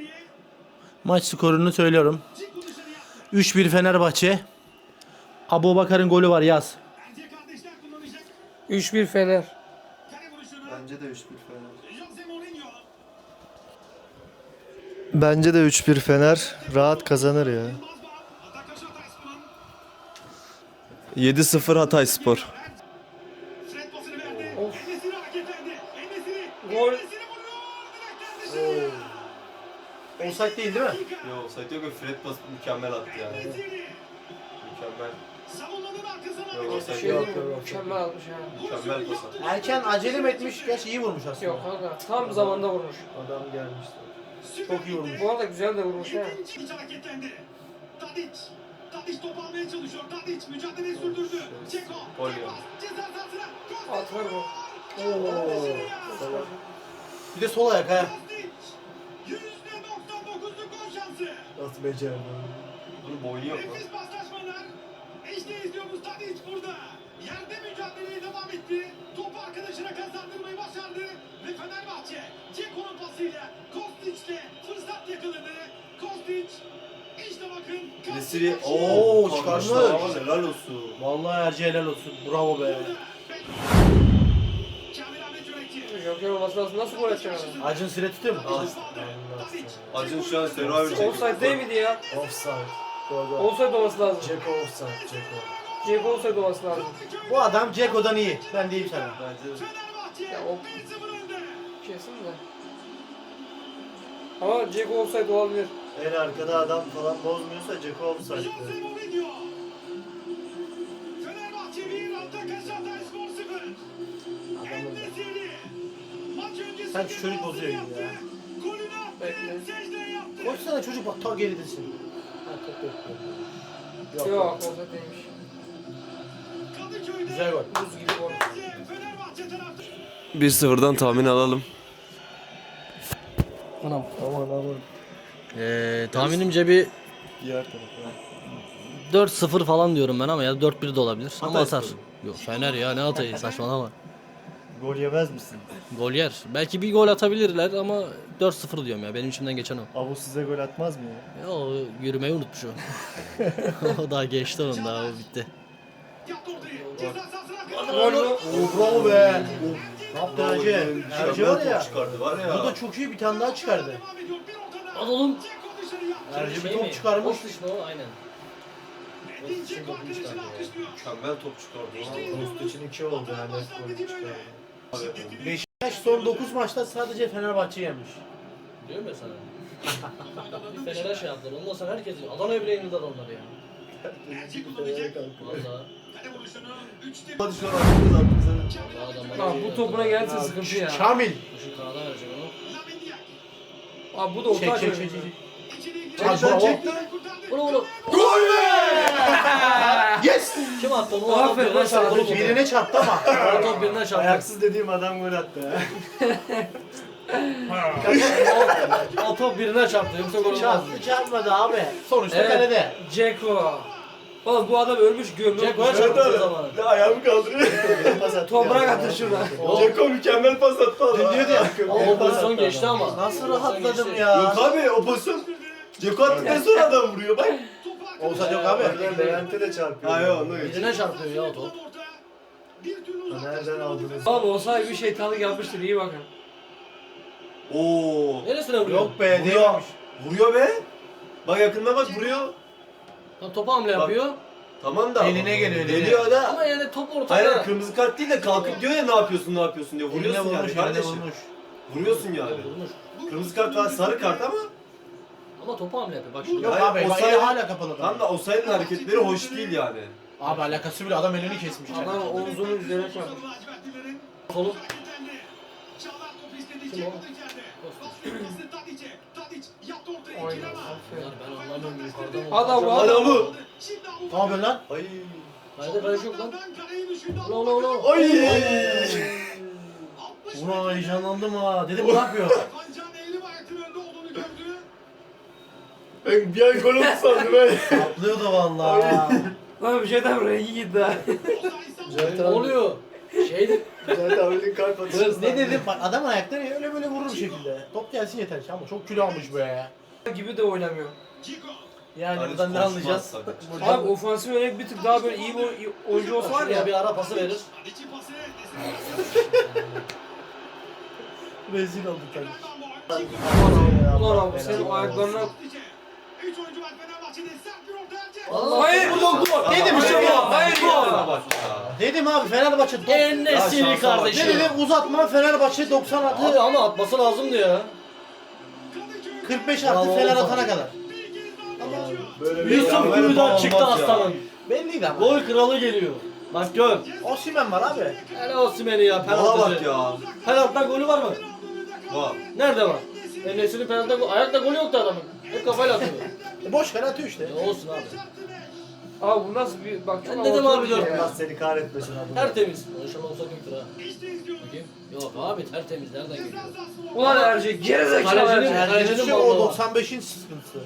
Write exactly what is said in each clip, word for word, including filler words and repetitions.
Maç skorunu söylüyorum. üç bir Fenerbahçe. Abubakar'ın golü var, yaz. üç bir Fener. Bence de üç bir Fener. Bence de üç bir Fener rahat kazanır ya. yedi sıfır Hatayspor. Gol. Offside değil değil mi? Yok Saito Gol Fred pas mükemmel attı yani. Mükemmel. Yok Bir offside şey yok. değil mi? Mükemmel atmış ha. Mükemmel pas attı. Erken acele mi etmiş? Gerçi iyi vurmuş aslında. Yok kanka. Tam zamanda vurmuş. Adam gelmişti. Çok iyi vurmuş. Bu arada güzel de vurmuş ha. İç hareketlendi. Tadic. Tadic top almaya çalışıyor. Tadic mücadeleyi sürdürdü. Ceko. Gol ya. Ceza sahasına. At ver bu. Bir de sol ayak ha. yüzde doksan dokuzluk gol şansı. Nasıl becerdi? Bunun boynu yok mu? Nefis paslaşmalar. İşte izliyoruz Tadic burada. Yerde mücadeleye devam etti. Topu arkadaşına kazandırmayı başardı. Ve Fenerbahçe Ceko'nun pasıyla Kostic'le fırsat yakaladı. Kostic işte bakın. Nesiri Oo, ooo çıkarmış. çıkarmış. Helal olsun. Vallahi Erci helal olsun. Bravo be. Joker olması lazım. Nasıl gol atacak adam? Acın süre tutuyor mu? Acun şu an Survivor çekiyor. Offside değil miydi ya? Offside. Doğru. Offside olması lazım. Ceko offside. Ceko. Ceko offside olması lazım. Bu adam Ceko'dan iyi. Ben diyeyim sana. Bence de. Ya o kesin de. Ama Ceko offside olabilir. En arkada adam falan bozmuyorsa Ceko offside. Fenerbahçe bir, Antakya Hatayspor sıfır. En-Nesyri. Maç öncesi Sen şu çocuk bozuyor gibi ya. golünü attı, Bekle. secde yaptı. Koşsana çocuk, bak ta geridesin. Ha, top yok. Yok offside değilmiş. Kadıköy'de Güzel gol. Buz gibi gol. Fenerbahçe taraftarı. bir sıfırdan tahmin alalım. Anam. Aman aman. Ee, tahminimce bir Diğer tarafa. dört sıfır falan diyorum ben ama ya dört bir de olabilir. Ama Hatay atar. Spor. Yok Fener ya, ne atayı, saçmalama. Gol yemez misin? Gol yer. Belki bir gol atabilirler ama dört sıfır diyorum ya. Benim içimden geçen o. Abu size gol atmaz mı ya? Ya o yürümeyi unutmuş o. O daha geçti, onun daha o bitti. Yaptı ortayı. Ceza sahasına kadar. Gol mü? Oo, bravo be. Ne yaptı Erci? Erci var Mükemmel ya. top çıkardı var ya. Bu da çok iyi, bir tane daha çıkardı. Devam ediyor. Bir ortada. Al oğlum. Ceko dışarı yaptı. Erci bir top çıkarmış. o aynen. Edin Ceko arkadaşını alkışlıyor. Mükemmel top çıkardı. Post için iki oldu yani. Gol çıkardı. Beşiktaş son dokuz maçta sadece Fenerbahçe yenmiş. Diyorum ya sana. Bir Fener'e şey yaptılar. Ondan sonra herkes Adana'ya bile yenildi adamlar ya. Erci kullanacak. Valla. Kale vuruşunu üçte Hadi şu an attınız attınız. Valla Bak bu topuna gelirse sıkıntı ya. Kamil. Şu kanada verecek onu. Lamindiak. Abi bu da Çek orta çek açıyor. çek. çek. İçeriye Çek, gidiyor. bravo. Kurtardı. Onu onu. Gol be! Yes! Kim attı onu? O top Aferin birine lan sana. çarptı. oğlum. Birine çarptı ama. O top birine çarptı. Ayaksız dediğim adam gol attı ya. O, o top birine çarptı. Yoksa gol olmaz. Çarptı çarpmadı abi. Sonuçta Evet. kalede. Ceko. Oğlum bu adam ölmüş gömülmüş. Ceko'ya çarptı o zaman. Ne ayağımı kaldırıyor. Pas attı Toprak ya. atır şuna. Ceko mükemmel pas attı adam. Diyordu ya. Ama o pozisyon geçti ama. Nasıl O pozisyon rahatladım geçti. ya. Yok abi o pozisyon. Ceko attıktan sonra adam vuruyor bak. Olsa yok abi. Oradan Levent'e de çarpıyor. Ha yok onu geç. Birine çarpıyor ya o top. Bir türlü Nereden uzaklaştıramadı. aldınız? Abi olsaydı bir şeytanlık yapmıştır, iyi bakın. Oo. Neresine vuruyor? Yok be, Vuruyor. değilmiş. Vuruyor be. Bak yakında bak vuruyor. Tam topa hamle yapıyor. Tamam da. Eline geliyor, eline. Geliyor da. Ama yani top ortada. Hayır kırmızı kart değil de kalkıp diyor ya ne yapıyorsun ne yapıyorsun diyor. Eline Vuruyorsun vurmuş, yani eline kardeşim. vurmuş. Vuruyorsun yani. Vurmuş. Kırmızı kart var sarı kart ama. Ama topa hamle yapıyor. Bak şimdi. Yok Hayır, abi, o bak sayı- eli hala kapalı. Tam da o sayının hareketleri hoş değil yani. Abi alakası bile, adam elini kesmiş. Adam omzunun üzerine çarpmış. Kolu. Kim o? Aynen. Bunlar ben anlamıyorum yukarıdan. Adam var. Hala bu. Ne yapıyorsun lan? Ay. Haydi kaleci yok lan. Ulan ulan ulan. Ay. Ulan heyecanlandım ha. Dedim ne yapıyor? Ben bir an gol oldu sandım ben. Atlıyordu vallahi. Lan bir şeyden rengi gitti ha. Ne oluyor? Şeydi. Zaten öyle kalp atışı. Ne dedim? Bak adam ayakları öyle böyle vurur bir şekilde. Top gelsin yeter ki ama çok kilo almış be ya. gibi de oynamıyor. Ciko. Yani Hani buradan ne konuşmaz anlayacağız? sakın. Buradan- Abi ofansif yönelik bir tık daha böyle iyi bir oyuncu olsa var Şuraya ya. bir ara pası verir. İçi pası. Rezil olduk tabii. Ulan abi senin ayaklarına... Üç oyuncu var Fenerbahçe'de. Sert bir orta Erce. Allah Hayır! bu yok bu. Dedim işte ya. Hayır ya! Bak ya. Dedim abi Fenerbahçe top. En-Nesyri Ne kardeşim. dedim uzatma Fenerbahçe doksan Abi atı. ama atması lazımdı ya. kırk beş Bravo artı Fener oğlum. atana kadar. Böyle bir Yusuf mükemmel Gül'den olmaz çıktı ya. aslanım. Belliydi ama. Gol kralı geliyor. Bak gör. Osimhen var abi. Hele Osimhen'i ya Bana bak penaltıcı. ya. Penaltıdan golü var mı? Bak. Nerede var? En-Nesyri'nin penaltıdan golü. Ayakta golü yoktu adamın. Hep kafayla atıyor. E boş ver atıyor işte. Ya olsun abi. Abi bu nasıl bir... Bak çok Ben dedim avantajlı abi dört ya. Allah seni kahretmesin abi. Tertemiz. İnşallah olsa kötüdür ha. Bakayım. Yok abi tertemiz. Nereden geliyor? Ulan Erce gerizekalı Kalecinin- Erce. Kalecinin Yani balonu o var. doksan beşin sıkıntısı.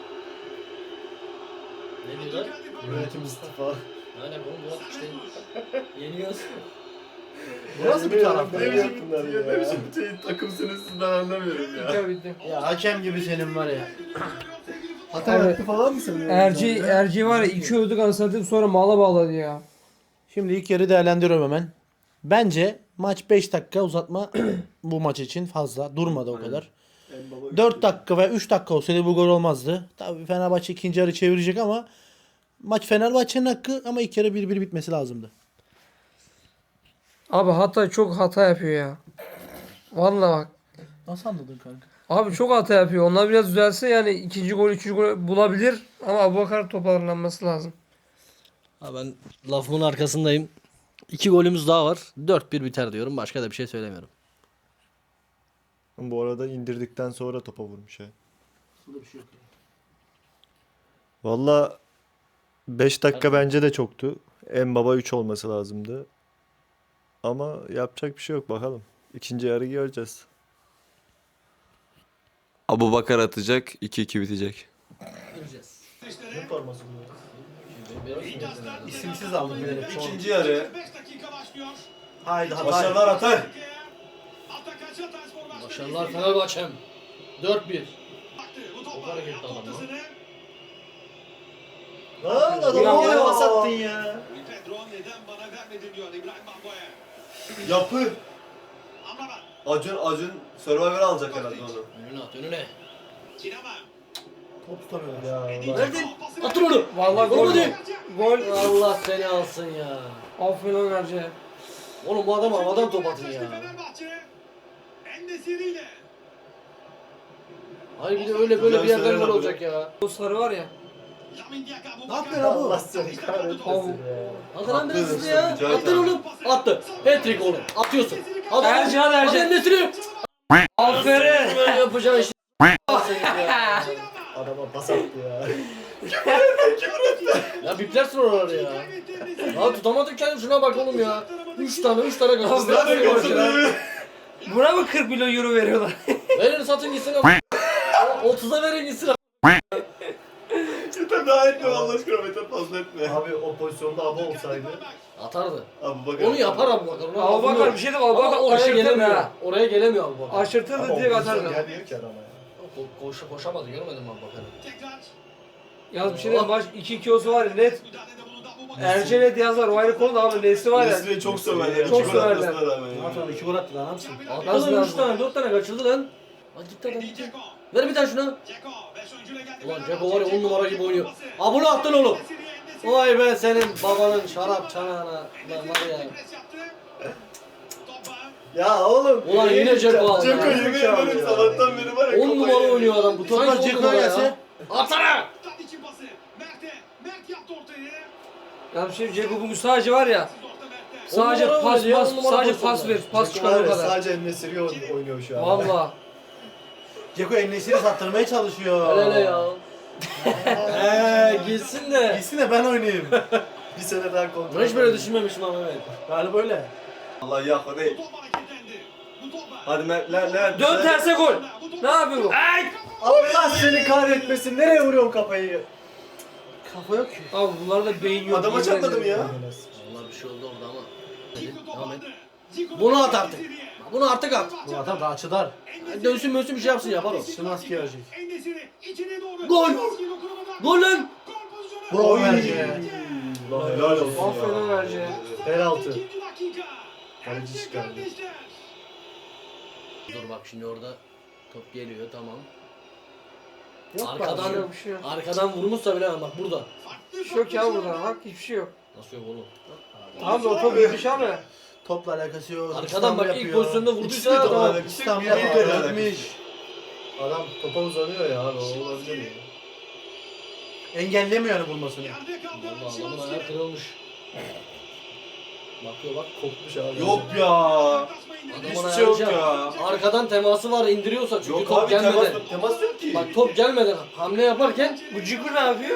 Ne diyorlar? Yönetim istifa. Aynen oğlum Murat işte. Yeniyoruz. Bu nasıl bir taraf? Ne biçim Ya ne biçim bir şey takımsınız siz ben anlamıyorum ya. Bitti bitti. Ya hakem gibi senin var ya. Hata yaptı falan mı sanıyorsun? Erci, Erci var ya iki övdük anasını sonra mala bağladı ya. Şimdi ilk yarı değerlendiriyorum hemen. Bence maç beş dakika uzatma bu maç için fazla. Durmadı o kadar. dört dakika veya üç dakika olsaydı bu gol olmazdı. Tabii Fenerbahçe ikinci yarı çevirecek ama maç Fenerbahçe'nin hakkı ama ilk yarı bir bir bitmesi lazımdı. Abi hata çok hata yapıyor ya. Vallahi bak. Nasıl anladın kanka? Abi çok hata yapıyor. Onlar biraz düzelse yani ikinci gol, üçüncü gol bulabilir. Ama Abubakar toparlanması lazım. Ha ben lafımın arkasındayım. İki golümüz daha var. dört bir biter diyorum. Başka da bir şey söylemiyorum. Bu arada indirdikten sonra topa vurmuş ha. Burada bir şey yok. Valla beş dakika bence de çoktu. En baba üç olması lazımdı. Ama yapacak bir şey yok bakalım. İkinci yarı göreceğiz. Abubakar atacak, iki iki bitecek. Göreceğiz. Ne forması bu? İsimsiz aldım bilerek. İkinci yarı. beş dakika başlıyor. Haydi hata. Başarılar Atay. Atak kaçı Hatayspor başladı. Başarılar Fenerbahçe'm. dört bir. Baktı, bu topa Çok hareketli yaptı adam lan. ortasını. Lan adamı Ya. oraya pas attın ya. Pedro neden bana vermedin diyor İbrahim Bango'ya. Yapı. Amrabat. Acun Acun Survivor alacak herhalde onu. Önüne at önüne. Kinama. Top tutamıyorlar. Ya Allah. Verdin. Atın onu. Vallahi Gol gol. mu değil? Gol. Allah seni alsın ya. Aferin lan Erce. Oğlum bu adam havadan top atın ya. Fenerbahçe. En-Nesyri ile. Hayır bir de öyle böyle bir yerden gol olacak ya. O sarı var ya. Lamin Diak, Abubakar. Ne yapıyor lan bu? Allah seni kahretmesin ya. Atın lan biraz hızlı ya. Rica ederim. Attın oğlum. Attı. Hat-trick oğlum. Atıyorsun. Adam, Erce hadi Erce. Hadi Nesri. Aferin. Böyle yapacağın işi. Seni ya. Adama pas attı ya. Ya biplersin oraları ya. Ya tutamadık kendini şuna bak oğlum ya. Üç tane üç tane kaldı. Buna mı kırk milyon euro veriyorlar? Verin satın gitsin ama. otuza verin gitsin ama. Yeter daha etme Allah aşkına Mete fazla etme. Abi o pozisyonda aba olsaydı. Atardı. Abubakar. Onu yapar Abubakar. Ona lafım Abubakar yok. bir şey de Ama Abubakar oraya aşırtır gelemiyor. ha. Oraya gelemiyor Abubakar. Aşırtır da Ama o direkt pozisyon atar. gelmiyor ki adama ya. Ko- koşa koşamadı görmedin mi Abubakar'ı? Tekrar. Yalnız bir şey diyeyim maç iki iki olsa var ya net. Müdahalede bulundu Abubakar. Erce net yazar. O ayrı konu da abi Nesli var ya. Nesli'yi çok severler. Çok İki gol severler. atmasına rağmen Ne ya. yapalım? İki gol attı lan ne yapsın? Attı Nasıl lan üç lazım? tane dört tane kaçırdı lan. Hadi gitti adam gitti. Ceko. Ver bir tane şuna. Ceko. Beş oyuncuyla geldi. Ulan Fenerbahçe. Ceko var ya on numara gibi oynuyor. pası. Aa bunu attın oğlum. En-Nesyri, En-Nesyri. Vay be senin babanın şarap çanağına. Lan var ya. Pres yaptı. Topa. Ya oğlum. Ulan yine Ceko aldı. Ceko ya. yemin ederim sabahtan beri var ya. on numara kafayı oynuyor adam. Bu Toplar sanki on Ceko'ya numara gelse. ya. Atsana. Tadic'in pası. Mert'e. Mert yaptı ortayı. Ya bir şey Ceko bugün sadece var ya. Orta Mert'e. Sadece On numara pas oynadı ya, pas on numara sadece pozisyonda. pas ver. Pas Ceko var çıkar o ya, kadar. sadece En-Nesyri oynuyor şu an. Valla. Ceko En-Nesyri sattırmaya çalışıyor. Hele hele ya. Eee gitsin de. Gitsin de ben oynayayım. Bir sene daha kontrol. Ben hiç böyle düşünmemiştim ama evet. Galiba öyle. Allah ya hadi. Bu top hareketlendi. Bu topa. Hadi Mert lan lan. Dön terse gol. Ne yapıyor bu? Allah seni kahretmesin. Nereye vuruyorsun kafayı? Kafa yok ki. Abi bunlarda beyin yok. Adama yemin çarpmadım ederim. ya. Vallahi bir şey oldu orada ama. Devam et. Bunu at artık. Bunu artık at. Bu adam daha açılar. Dönsün mönsün bir şey yapsın yapar o. Szymański verecek. Gol! Gol lan! Bravo verecek. Helal olsun Aferin Erce. Penaltı. Kaleci çıkardı. Dur bak şimdi orada top geliyor tamam. Yok Arkadan Bir şey yok, bir şey yok. arkadan vurmuşsa bile bak burada. Bir şey yok ya burada bak hiçbir şey yok. Nasıl yok oğlum? Tamam da o top gitmiş abi. Topla alakası yok. Arkadan İstanbul bak ilk yapıyor. pozisyonda vurduysa topla tamam. alakası. İstanbul Bir de yapıyor. alakası. Gitmiş. Adam topa uzanıyor ya abi, o olabilir mi? Engellemiyor yani vurmasını. Vallahi adamın ayağı kırılmış. Bakıyor bak kopmuş abi. Yok ya. Adamın Hiçbir ayağı şey yok şey- ya. Arkadan teması var indiriyorsa çünkü Yok top abi temas, gelmeden. temas yok ki. Bak top gelmeden hamle yaparken Bu Ciku ne yapıyor?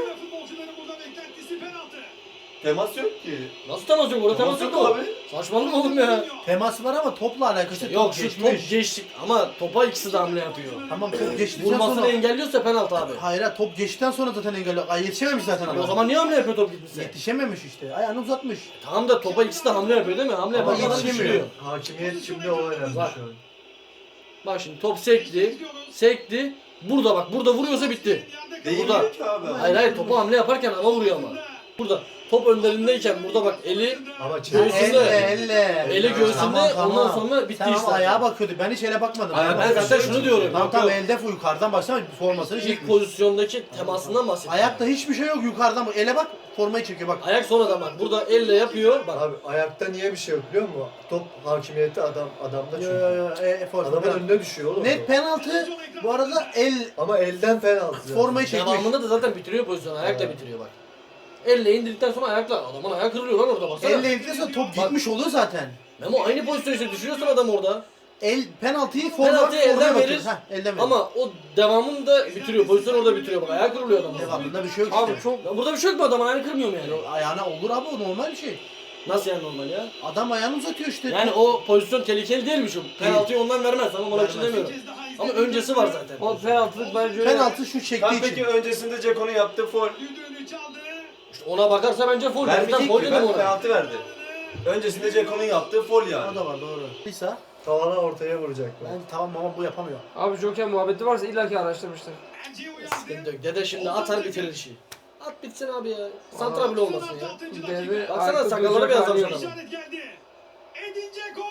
Temas yok ki. nasıl temas yok? Orada temas yok mu? abi. Saçmalama oğlum ya. Teması var ama topla alakası yok. Yok şu Geçmiş. top geçtik ama topa ikisi de hamle yapıyor. Tamam top geçtikten Vurmasını sonra. engelliyorsa penaltı abi. Hayır ha, top geçtikten sonra zaten engelliyor. Ay yetişememiş zaten E adam. o zaman niye hamle yapıyor top gitmişse? Yetişememiş işte. Ayağını uzatmış. Tamam da topa ikisi de hamle yapıyor değil mi? Hamle Ama yapan adam yetişemiyor. düşürüyor. Hakimiyet şimdi o önemli Bak. şu an. Bak şimdi top sekti, sekti. Burada bak, burada vuruyorsa bitti. Değmiyor Burada. ki abi. Hayır hayır topu hamle yaparken ama vuruyor ama. Burada top önlerindeyken burada bak eli Ama Göğsünde- çevresinde Elle elle. eli göğsünde Tamam, tamam. ondan sonra bitti Sen işte. ama ayağa bakıyordu. Ben hiç ele bakmadım. Ayağa Ben zaten şunu diyorum. Tamam Yok, tamam yok. elde yukarıdan baksana formasını İlk çekmiş. pozisyondaki temasından bahsediyorum. Ayakta hiçbir şey yok yukarıdan bak. Ele bak formayı çekiyor bak. Ayak sonradan bak. Burada elle yapıyor. Bak abi ayakta niye bir şey yok biliyor musun? Top hakimiyeti adam adamda Yo, çünkü. yo, yo, e, forma, Adamın penaltı. önüne düşüyor oğlum. Net top. penaltı. Bu arada el Ama elden penaltı. formayı çekmiş. devamında da zaten bitiriyor pozisyonu. Ayakla bitiriyor bak. Elle indirdikten sonra ayakla. Adamın ayağı kırılıyor lan orada baksana. Elle ilgiliyse top gitmiş oluyor zaten. Memo aynı pozisyon işte düşürüyorsun adam orada. El penaltıyı forma Penaltıyı elden formaya verir. bakıyor. Heh, elden verir. Ama o devamında bitiriyor. Pozisyon orada bitiriyor bak. Ayağı kırılıyor adamın. devamında bir şey yok Abi işte. çok Ya burada bir şey yok mu adamın ayağını kırmıyor mu yani? Ayağına olur abi, o normal bir şey. Nasıl yani normal ya? Adam ayağını uzatıyor işte. Yani o pozisyon tehlikeli değilmiş o. Penaltıyı ondan vermez ama ona bir şey Vermez. demiyorum. Ama öncesi var zaten. o penaltılık bence öyle. Penaltı şu çektiği Tam için. peki öncesinde Ceko'nun yaptığı foul. İşte ona bakarsa bence foul. Vermeyecek Zaten foul ki, dedim ben ona. penaltı verdi. Öncesinde Ceko'nun yaptığı foul O yani. da var doğru. Lisa. Tavana ortaya vuracak. Ben tamam ama bu yapamıyor. Abi Joker muhabbeti varsa illaki araştırmıştır. Sıkıntı yok. Dede şimdi atar bitirir işi. At bitsin abi ya. Santra bile olmasın ya. Deve Baksana ayakta sakalları duracak beyazlamış hali yok. adamın. Edin Dzeko.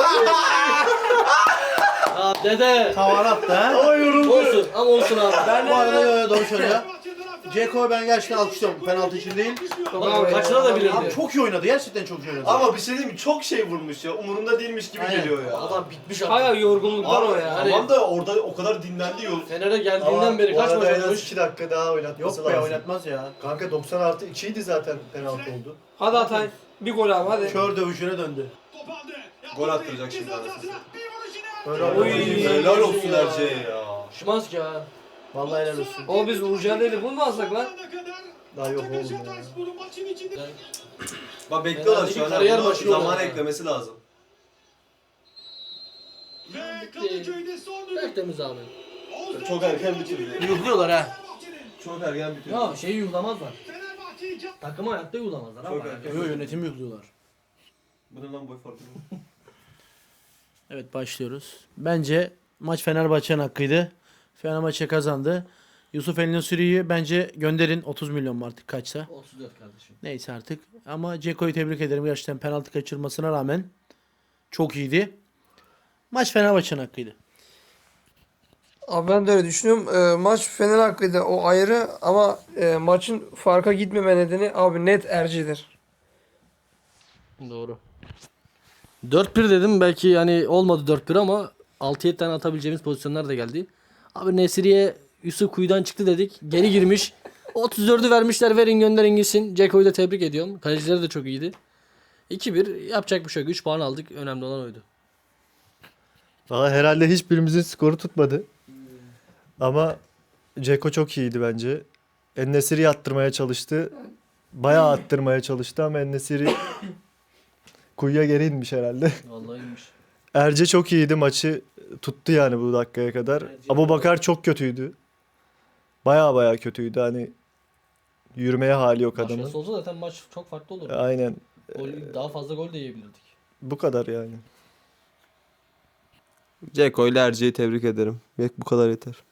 Ya dede. Tavan attı ha. Olsun ama olsun abi. Ben bu arada yo, yo, doğru söylüyor. Ceko'yu ben gerçekten alkışlıyorum. Penaltı için değil. Bak, kaçına da bilirdi. Abi çok iyi oynadı. Gerçekten çok iyi oynadı. Ama bir şey diyeyim mi? Çok şey vurmuş ya. Umurunda değilmiş gibi Aynen. geliyor ya. Adam bitmiş Hala abi. yorgunluklar o ya. Hani- Tamam da orada o kadar dinlendi yol. Fener'e geldiğinden Ama beri bu kaç arada maç en az oynamış? iki dakika daha oynatması Yok be lazım. oynatmaz ya. Kanka doksan artı ikiydi zaten penaltı oldu. Hadi Atay. Bir gol abi hadi. Kör dövüşüne döndü. Gol attıracak şimdi arasında. Öyle Oy. oynadı. Helal olsun Erce'ye ya. Şimanski ha. Vallahi helal olsun. O biz Uğurcan değil bunu mu alsak lan? Daha yok oğlum ya. Bak bekliyorlar Fener'deki şu an. kariyer Bunu başı zaman olarak. eklemesi lazım. Ve Kadıköy'de son düdük. Tertemiz abi. Çok erken bitirdi. Yuhluyorlar ha. Çok erken bitirdi. Ya şeyi yuhlamazlar. Fenerbahçe'yi Takımı hayatta yuhlamazlar Çok ama. erken. Yo yönetim yuhluyorlar. Bu ne lan boy farkı? Evet başlıyoruz. Bence maç Fenerbahçe'nin hakkıydı. Fenerbahçe kazandı. Yusuf El-Nesiri'yi bence gönderin. otuz milyon mu artık kaçsa. otuz dört kardeşim. Neyse artık. Ama Ceko'yu tebrik ederim. Gerçekten penaltı kaçırmasına rağmen çok iyiydi. Maç Fenerbahçe'nin hakkıydı. Abi ben de öyle düşünüyorum. Ee, maç Fener hakkıydı o ayrı ama e, maçın farka gitmeme nedeni abi net Erci'dir. Doğru. dört bir dedim belki yani olmadı dört bir ama altı yedi tane atabileceğimiz pozisyonlar da geldi. Abi Nesiri'ye Yusuf kuyudan çıktı dedik. Geri girmiş. otuz dördü vermişler verin gönderin gitsin. Ceko'yu da tebrik ediyorum. Kalecileri de çok iyiydi. iki bir yapacak bir şey yok. üç puan aldık. Önemli olan oydu. Valla herhalde hiçbirimizin skoru tutmadı. Ama Ceko çok iyiydi bence. En-Nesyri'yi attırmaya çalıştı. Bayağı attırmaya çalıştı ama En-Nesyri kuyuya geri inmiş herhalde. Vallahi iyiymiş. Erce çok iyiydi, maçı tuttu yani bu dakikaya kadar. Abubakar çok kötüydü. Bayağı bayağı kötüydü, hani yürümeye hali yok adamın. Başkası olsa zaten maç çok farklı olurdu. Aynen. Gol, daha fazla gol de yiyebilirdik. Bu kadar yani. Ceko ile Erce'yi tebrik ederim. Bu kadar yeter.